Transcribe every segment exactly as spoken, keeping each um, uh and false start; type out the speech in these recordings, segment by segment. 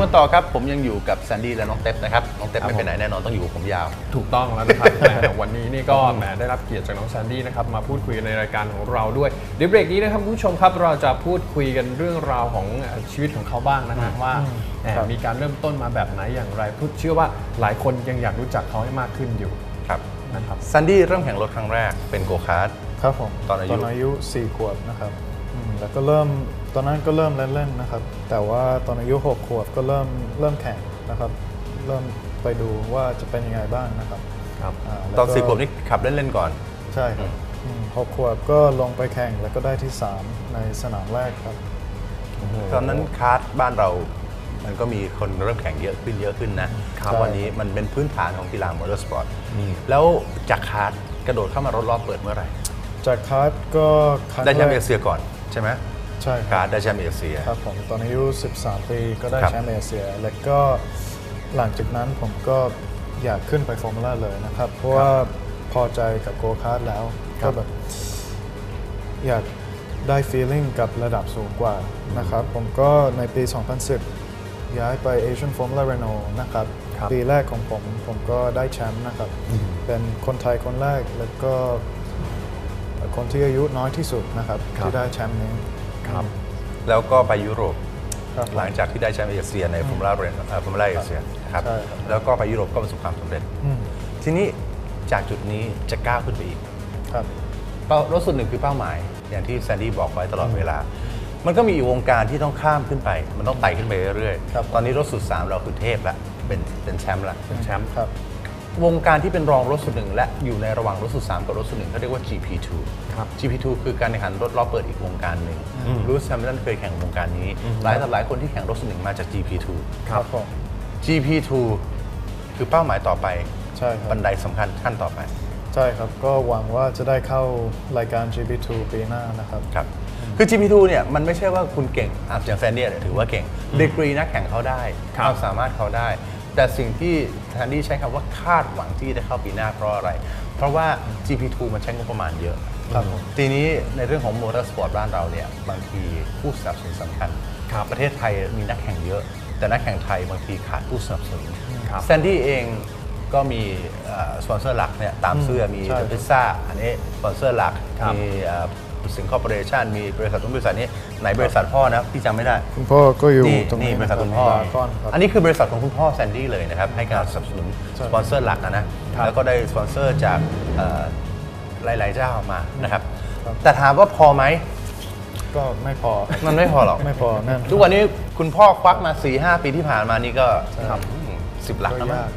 กันต่อครับผมยังอยู่กับแซนดี้และน้องเต็ปนะครับน้องเต็ปไม่ไปไหนแน่นอนต้องอยู่กับผมยาวถูกต้องแล้วนะครับวันนี้นี่ก็แหมได้รับเกียรติจากน้องแซนดี้นะครับมาพูดคุยในรายการของเราด้วยเดี๋ยวเบรกนี้นะครับคุณผู้ชมครับเราจะพูดคุยกันเรื่องราวของชีวิตของเขาบ้างนะฮะว่ามีการเริ่มต้นมาแบบไหนอย่างไรพูดเชื่อว่าหลายคนยังอยากรู้จักเขาให้มากขึ้นอยู่ครับนะครับแซนดี้เริ่มแข่งรถครั้งแรกเป็นโกคาร์ทครับผมตอนอายุตอนอายุสี่ขวบนะครับแล้วก็เริ่มตอนนั้นก็เริ่มเล่นๆนะครับแต่ว่าตอนอายุหกขวบก็เริ่มเริ่มแข่งนะครับเริ่มไปดูว่าจะเป็นยังไงบ้างนะครับครับตอนสี่ขวบนี่ขับเล่นๆก่อนใช่ครับหกขวบก็ลงไปแข่งแล้วก็ได้ที่สามในสนามแรกครับตอนนั้นคาร์ทบ้านเรามันก็มีคนเริ่มแข่งเยอะขึ้นเยอะขึ้นนะวันนี้มันเป็นพื้นฐานของกีฬามอเตอร์สปอร์ตแล้วจากคาร์ทกระโดดเข้ามารถรอบเปิดเมื่อไหร่จากคาร์ทก็ได้แชมป์เอเชียก่อนใช่ไหมใช่คาร์ทได้แชมป์เอเชียครับผมตอนอายุสิบสามปีก็ได้แชมป์เอเชียแล้วก็หลังจากนั้นผมก็อยากขึ้นไปฟอร์มูล่าเลยนะครับเพราะว่าพอใจกับโกคาร์ทแล้วก็แบบอยากได้ feeling กับระดับสูงกว่านะครับผมก็ในปี สองพันสิบ ย้ายไป Asian Formula Renault นะครับปีแรกของผมผมก็ได้แชมป์นะครับเป็นคนไทยคนแรกแล้วก็คนที่อายุน้อยที่สุดนะครับที่ได้แชมป์นี้ครับแล้วก็ไปยุโรปหลังจากที่ได้แชมป์เอเชียในฟอร์มูล่าเรนฟอร์มูล่าเอเชียนะครับแล้วก็ไปยุโรปก็ประสบความสำเร็จทีนี้จากจุดนี้จะก้าวขึ้นไปอีกครับรถสุดหนึ่งคือเป้าหมายอย่างที่แซนดี้บอกไว้ตลอดเวลามันก็มีอีกวงการที่ต้องข้ามขึ้นไปมันต้องไต่ขึ้นไปเรื่อยๆตอนนี้รถสุดสามเราคือเทพละเป็นเป็นแชมป์ละเป็นแชมป์ครับวงการที่เป็นรองรถสุดหนึ่งและอยู่ในระหว่างรถสุดสามกับรถสุดหนึ่งเขาเรียกว่า จี พี ทูครับจี พี ทู คือการแข่งขันรถล้อเปิดอีกวงการหนึ่งรูสแฮมิลตันเคยแข่งวงการนี้หลายต่อหลายคนที่แข่งรถสุดหนึ่งมาจาก จี พี ทูครับผมจี พี ทู คือเป้าหมายต่อไปใช่ครับบันไดสำคัญขั้นต่อไปใช่ครับก็หวังว่าจะได้เข้ารายการ จี พี ทู ปีหน้านะครับครับคือ จี พี ทู เนี่ยมันไม่ใช่ว่าคุณเก่งอย่างแซนดี้ถือว่าเก่งดีกรีนักแข่งเขาได้ความสามารถเขาได้แต่สิ่งที่แซนดี้ใช้คำว่าคาดหวังที่จะเข้าปีหน้าเพราะอะไรเพราะว่า จี พี ทู มันใช้งบประมาณเยอะทีนี้ในเรื่องของมอเตอร์สปอร์ตบ้านเราเนี่ยบางทีผู้สนับสนุนสำคัญประเทศไทยมีนักแข่งเยอะแต่นักแข่งไทยบางทีขาดผู้สนับสนุนแซนดี้เองก็มีสปอนเซอร์หลักเนี่ยตามเสื้อมีเดอะพิซซ่าอันนี้สปอนเซอร์หลักมีสิงคอร์ปอเรชั่นมีบริษัททุกบริษัทนี้ไหนบริษัทพ่อนะพี่จำไม่ได้คุณพ่อก็อยู่ตรงนี้บริษัทคุณพ่ออันนี้คือบริษัทของคุณพ่อแซนดี้เลยนะครับให้การสนับสนุนสปอนเซอร์หลักนะแล้วก็ได้สปอนเซอร์จากหลายๆเจ้ามานะครับแต่ถามว่าพอไหมก็ไม่พอมันไม่พอหรอกไม่พอแน่นทุกวันนี้คุณพ่อควักมา สี่ห้า ปีที่ผ่านมานี่ก็สิบหลักแล้วมั้ง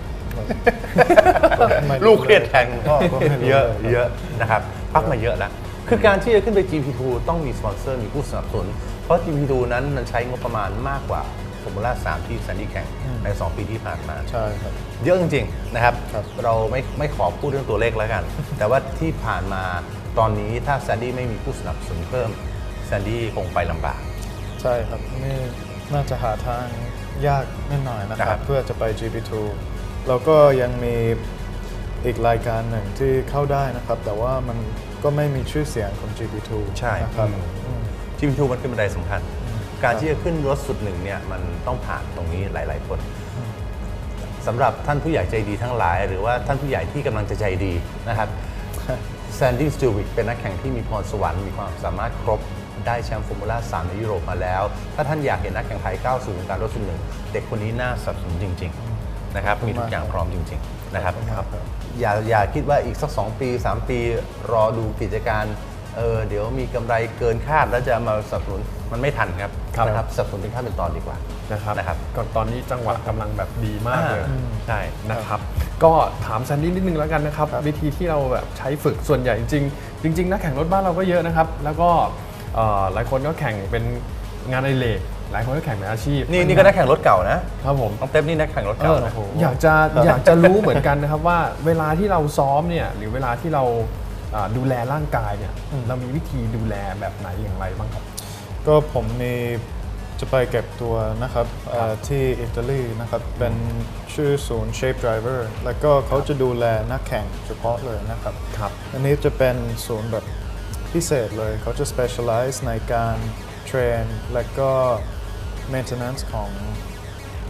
ลูกเครียดแทนคุณพ่อเยอะเยอะนะครับควักมาเยอะแล้วคือการที่จะขึ้นไป จี พี ทู ต้องมีสปอนเซอร์มีผู้สนับสนุนเพราะ จี พี ทู นั้นมันใช้งบประมาณมากกว่าฟอร์มูล่าสามที่แซนดี้แข่งในสองปีที่ผ่านมาใช่ครับเยอะจริงๆนะครับเราไม่ไม่ขอพูดเรื่องตัวเลขแล้วกันแต่ว่าที่ผ่านมาตอนนี้ถ้าแซนดี้ไม่มีผู้สนับสนุนเพิ่มแซนดี้คงไปลำบากใช่ครับนี่น่าจะหาทางยากนิดหน่อยนะครับเพื่อจะไป จี พี ทู เราก็ยังมีอีกรายการหนึ่งที่เข้าได้นะครับแต่ว่ามันก็ไม่มีชื่อเสียงของ จี พี ทูใช่นะครับจี พี ทู มันเป็นบันไดสำคัญการที่จะขึ้นรถสุดหนึ่งเนี่ยมันต้องผ่านตรงนี้หลายๆคนสำหรับท่านผู้ใหญ่ใจดีทั้งหลายหรือว่าท่านผู้ใหญ่ที่กำลังจะใจดีนะครับแซนดี้ สติลวิกเป็นนักแข่งที่มีพรสวรรค์มีความสามารถครบได้แชมป์ฟอร์มูล่าสามในยุโรปมาแล้วถ้าท่านอยากเห็นนักแข่งไทยก้าวสู่วงการรถสุดหนึ่งเด็กคนนี้น่าสนับสนุนจริงๆนะครับมีทุกอย่างพร้อมจริงๆนะครับอย่าอย่าคิดว่าอีกสักสองปีสามปีรอดูกิจการเออเดี๋ยวมีกำไรเกินคาดแล้วจะมาสนับสนุนมันไม่ทันครับนะครับสนับสนุนเป็นขั้นเป็นตอนดีกว่านะครับนะครับก่อนตอนนี้จังหวะกำลังแบบดีมากเลยใช่นะครับก็ถามแซนดี้นิดนึงแล้วกันนะครับวิธีที่เราแบบใช้ฝึกส่วนใหญ่จริงจริงๆนักแข่งรถบ้านเราก็เยอะนะครับแล้วก็หลายคนก็แข่งเป็นงานอดิเรกหลายคนก็แข่งเป็นอาชีพนี่นี่ก็นักแข่งรถเก่านะครับผมน้องเต็มนี่นักแข่งรถเก่านะอยากจะอยากจะรู้เหมือนกันนะครับว่าเวลาที่เราซ้อมเนี่ยหรือเวลาที่เราดูแลร่างกายเนี่ยเรามีวิธีดูแลแบบไหนอย่างไรบ้างครับก็ผมมีจะไปเก็บตัวนะครับที่อิตาลีนะครับเป็นชื่อศูนย์ Shape Driver แล้วก็เขาจะดูแลนักแข่งเฉพาะเลยนะครับอันนี้จะเป็นศูนย์แบบพิเศษเลยเขาจะ specialize ในการเทรนและก็ maintenance ของ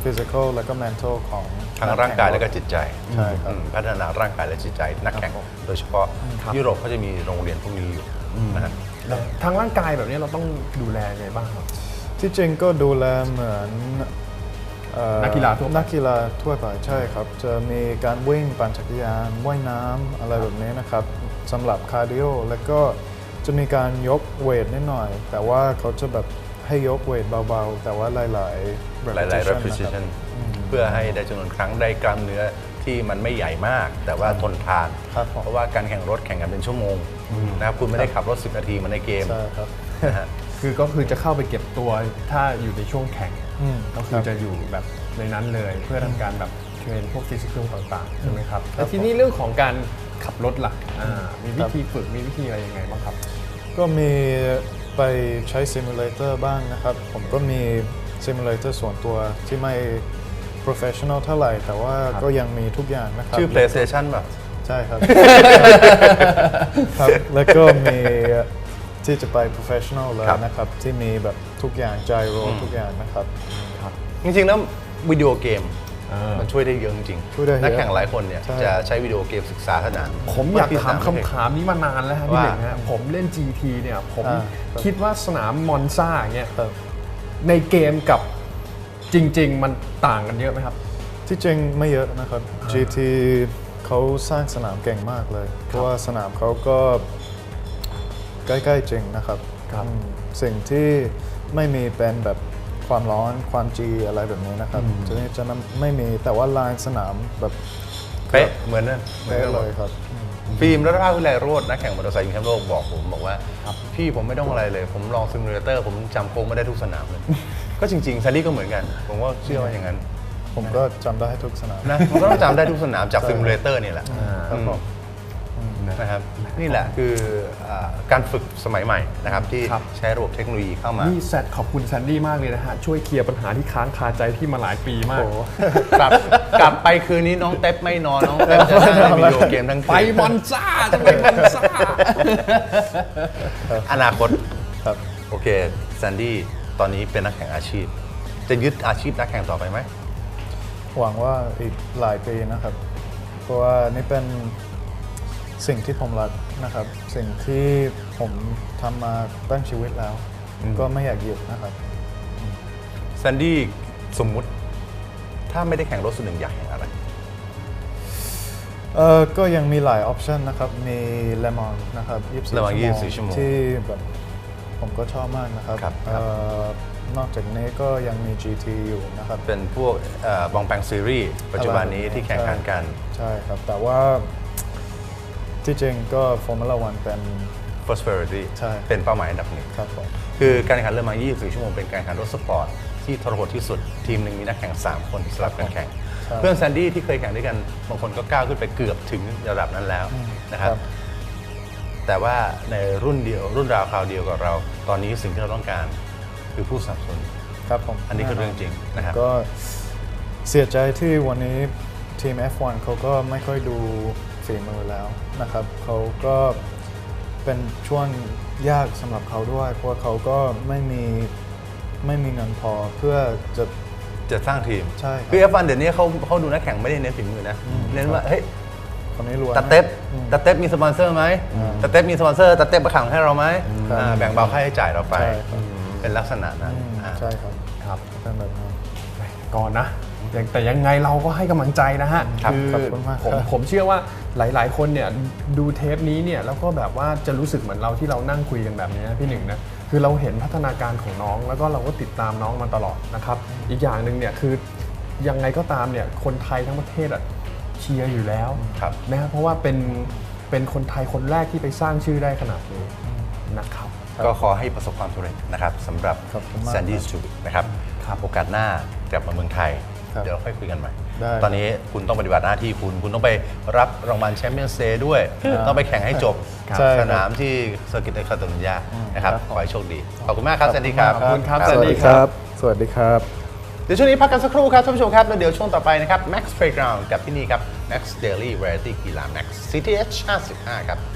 physical แล้วก็ mental ของทั้งร่างกายและก็จิตใจใช่ครับอืมพัฒนาร่างกายและจิตใจนักแข่งโดยเฉพาะยุโรปเขาจะมีโรงเรียนพวกนี้อยู่นะฮะทางร่างกายแบบนี้เราต้องดูแลไงบ้างครับที่จริงก็ดูแลเหมือนเอ่อนักกีฬาทั่วไปนักกีฬาทั่วไปใช่ครับ จะมีการวิ่งปั่นจักรยานว่ายน้ำอะไรแบบนี้นะครับสำหรับคาร์ดิโอแล้วก็จะมีการยกเวทนิดหน่อย แต่ว่าเขาจะแบบให้ยกเวทเบาๆ แต่ว่าหลายๆหลายๆ repetition นะครับ repetition เพื่อให้ได้จำนวนครั้งได้กล้ามเนื้อที่มันไม่ใหญ่มาก แต่ว่าทนทานครับผมเพราะว่าการแข่งรถแข่งกันเป็นชั่วโมงนะครับคุณไม่ได้ขับรถ สิบ นาทีเหมันในเกมใช่ครับนะฮะคือก็คือจะเข้าไปเก็บตัวถ้าอยู่ในช่วงแข่งอืมก็คือจะอยู่แบบในนั้นเลยเพื่อทำการแบบเทรนพวกฟิสิกอลต่างๆใช่ไหมครับแต่ทีนี้เรื่องของการขับรถล่ะอ่ามีวิธีฝึกมีวิธีอะไรยังไงบ้างครับก็มีไปใช้ซิมูเลเตอร์บ้างนะครับ ผมก็มีซิมูเลเตอร์ส่วนตัวที่ไม่ professional เท่าไหร่ แต่ว่าก็ยังมีทุกอย่างนะครับชื่อ PlayStation ป่ะใช่ครับ ครับ แล้วก็มีที่จะไป professional เลยครับนะครับ ที่มีแบบทุกอย่างไจโรทุกอย่างนะครับจริงๆแล้ววิดีโอเกมอ่ามัมันช่วยได้เยอะจริงช่วยได้เยอะนักแข่งหลายคนเนี่ยใช่จะใช้วิดีโอเกมศึกษาสนามผมอยากถามว่คำถามนี้มานานแล้วครับพี่ว่าหนึ่งฮะผมเล่น จี ที เนี่ยผมอ่าครับคิดว่าสนามมอนซ่าเนี่ยครับในเกมกับจริง ๆ มันต่างกันเยอะไหมครับที่จริงไม่เยอะนะครับ จี ที เขาสร้างสนามเก่งมากเลย เพราะว่าสนามเขาก็ใกล้ๆจริงนะครับครับอืมสิ่งที่ไม่มีเป็นแบบความร้อนความจีอะไรแบบนี้นะครับจะนี่จะไม่มีแต่ว่าลายสนามแบบเป๊ะเหมือนนั่นเหมือนเป๊ะกันหมเลดยครับฟิล์มรัตนวิไลโรจน์นักแข่งมอเตอร์ไซค์ชิงแชมป์โลกบอกผมบอกว่าพี่ผมไม่ต้องอะไรเลย ผมลองซิมูเลเตอร์ผมจำโค้งไม่ได้ทุกสนามเลย ก็จริงๆซารี่ก็เหมือนกัน ผมก็เชื่อว่าอย่างนั้นผมก็จำได้ทุกสนามนะมันก็ต้องจำได้ทุกสนามจากซิมูเลเตอร์นี่แหละครับผมนะครับนี่แหละคืออ่าการฝึกสมัยใหม่นะครับที่ครับใช้ระบบเทคโนโลยีเข้ามานี่แซดขอบคุณแซนดี้มากเลยนะฮะ ช่วยเคลียร์ปัญหาที่ค้างคาใจที่มาหลายปีมากโอ้โหกลับกลับไปคืนนี้น้องเต็ปไม่นอนน้องเต็ปจะนั่งเล่นวิดีโอเกมทั้งคืนไปมอนซ่าจะไปมอนซ่าอนาคตครับโอเคแซนดี้ตอนนี้เป็นนักแข่งอาชีพ จะยึดอาชีพนักแข่งต่อไปไหมหวังว่าอีกหลายปีนะครับ เพราะว่านี่เป็นสิ่งที่ผมรักนะครับ สิ่งที่ผมทำมาตั้งชีวิตแล้ว ก็ไม่อยากหยุดนะครับแซนดี้สมมุติถ้าไม่ได้แข่งรถส่วนหนึ่งอยากแข่งอะไรเออก็ยังมีหลายออปชันนะครับ มีเลมอนนะครับยี่สิบสี่ Le Mansยี่สิบสี่ชั่วโมงที่แบบผมก็ชอบมากนะครับครับเออนอกจากนี้ก็ยังมี จี ที อยู่นะครับเป็นพวกเอ่อบองแปงซีรีส์ปัจจุบันนี้ที่แข่งขันกันใช่ครับ แต่ว่าที่จริงก็ Formula วันเป็น First Priority ใช่เป็นเป้าหมายอันดับหนึ่งครับผมคือการแข่งขันเรือมายี่สิบสี่ชั่วโมงเป็นการแข่งขันรถสปอร์ตที่ทรหดที่สุด ทีมหนึ่งมีนักแข่งสามคนสลับกันแข่งใช่เพื่อนแซนดี้ที่เคยแข่งด้วยกันบางคนก็ก้าวขึ้นไปเกือบถึงระดับนั้นแล้วนะครับครับแต่ว่าในรุ่นเดียวรุ่นราวคราวเดียวกับเรา ตอนนี้สิ่งที่เราต้องการคือผู้สนับสนุนครับผมอันนี้คือเรื่องจริงนะครับก็เสียใจที่วันนี้ทีม เอฟ วัน เขาก็ไม่ค่อยดูฝีมือแล้วนะครับ เขาก็เป็นช่วงยากสำหรับเขาด้วย เพราะว่าเขาก็ไม่มีไม่มีเงินพอเพื่อจะจะสร้างทีมใช่ครับคือ เอฟ วัน เดี๋ยวนี้เขาเขาดูนักแข่งไม่ได้เน้นฝีมือนะ เน้นว่าเฮ้ยคนนี้รวยตาเต็บอืมตาเต็บมีสปอนเซอร์ไหมตาเต็บมีสปอนเซอร์ตาเต็บมาขังให้เราไหมครับอ่าแบ่งเบาค่าใช้จ่ายเราไปใช่ครับเป็นลักษณะนั้นอืมอ่าใช่ครับครับเป็นแบบนั้นก่อนนะแต่แต่ยังไงเราก็ให้กำลังใจนะฮะครับอขอบคุณมากผมครับผมเชื่อว่าหลาย ๆ คนเนี่ยดูเทปนี้เนี่ยแล้วก็แบบว่าจะรู้สึกเหมือนเราที่เรานั่งคุยกันแบบนี้นะพี่หนึ่งนะคือเราเห็นพัฒนาการของน้องแล้วก็เราก็ติดตามน้องมาตลอดนะครับอีกอย่างหนึ่งเนี่ยคือยังไงก็ตามเนี่ยคนไทยทั้งประเทศอะเชียร์อยู่แล้วครับนะฮะเพราะว่าเป็นเป็นคนไทยคนแรกที่ไปสร้างชื่อได้ขนาดนี้นะครับก็ขอให้ประสบความสำเร็จนะครับสำหรับขอบคุณมากแซนดี้สตูบิกนะครับครับโอกาสหน้ากลับมาเมืองไทยครับเดี๋ยวเราค่อยคุยกันใหม่ได้ตอนนี้คุณต้องปฏิบัติหน้าที่คุณ คุณต้องไปรับรางวัลแชมเปี้ยนส์เดย์ด้วย ต้องไปแข่งให้จบใช่ครับสนามที่เซอร์กิตเดคาตาลุญญานะครับครับขอให้โชคดี ขอบคุณมากครับแซนดี้ครับขอบคุณครับสวัสดีครับ สวัสดีครับเดี๋ยวช่วงนี้พักกันสักครู่ครับท่านผู้ชมครับ แล้วเดี๋ยวช่วงต่อไปนะครับ Max Playground กับที่นี่ครับ Max Daily Variety กีฬา Max ซี ที เอช ห้าสิบห้าครับ